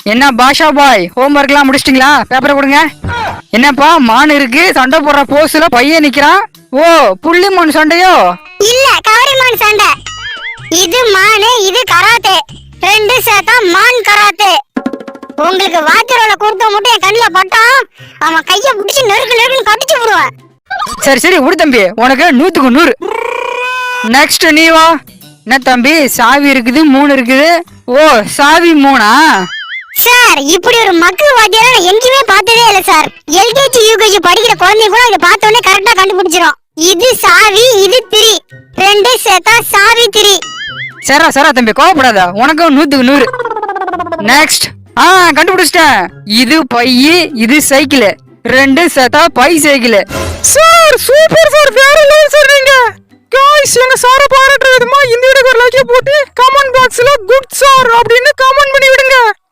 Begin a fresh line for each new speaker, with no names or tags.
என்ன பாஷா பாய், ஹோம்ஒர்க்லாம் முடிச்சிட்டீங்களா? பேப்பரை கொடுங்க. என்னப்பா மான் இருக்கு, சண்டை போடுற போஸ்ல பையன் நிக்கிறான். ஓ, புள்ளி மான் சண்டையோ?
இல்ல, கவரி மான் சண்டை. இது மானு, இது கராத்தே. ரெண்டு சேர்த்தா மான் கராத்தே. உங்களுக்கு வாத்திரோல கொடுத்த மட்டும் என் கண்ணுல பட்டான், அவன் கைய பிடிச்சி நெருக்கு நெருக்குன்னு கடிச்சு விடுவேன்.
சரி சரி விடு தம்பி, உனக்கு 100க்கு 100. நெக்ஸ்ட் நீ வா. என்ன தம்பி, சாவி இருக்குது 3 இருக்குது. ஓ, சாவி 3ஆ?
சார், இப்படி ஒரு மக்கு வாத்தியார நான் எங்கேயுமே பார்த்ததே இல்ல சார். எல்கேஜி யூகேஜி படிக்கிற குழந்தை கூட இதை பார்த்த உடனே கரெக்டா கண்டுபிடிச்சிரும். இது சாவி, இது திரி. ரெண்டு சேர்த்தா சாவி திரி.
சரா சரா தம்பி, கோவப்படாத, உனக்கு 100க்கு 100. நெக்ஸ்ட். கண்டுபிடிச்சிட்டேன். இது பையி, இது சைக்கிள். ரெண்டு சேர்த்தா bicycle. Sir super sir, வேற லெவல் சார் நீங்க. गाइस, எங்க சார பாராட்டுற விதமா இந்த வீடியோக்கு ஒரு லைக் போட்டு கமெண்ட் பாக்ஸ்ல குட் சார் அப்படின்னு கமெண்ட் பண்ணி விடுங்க.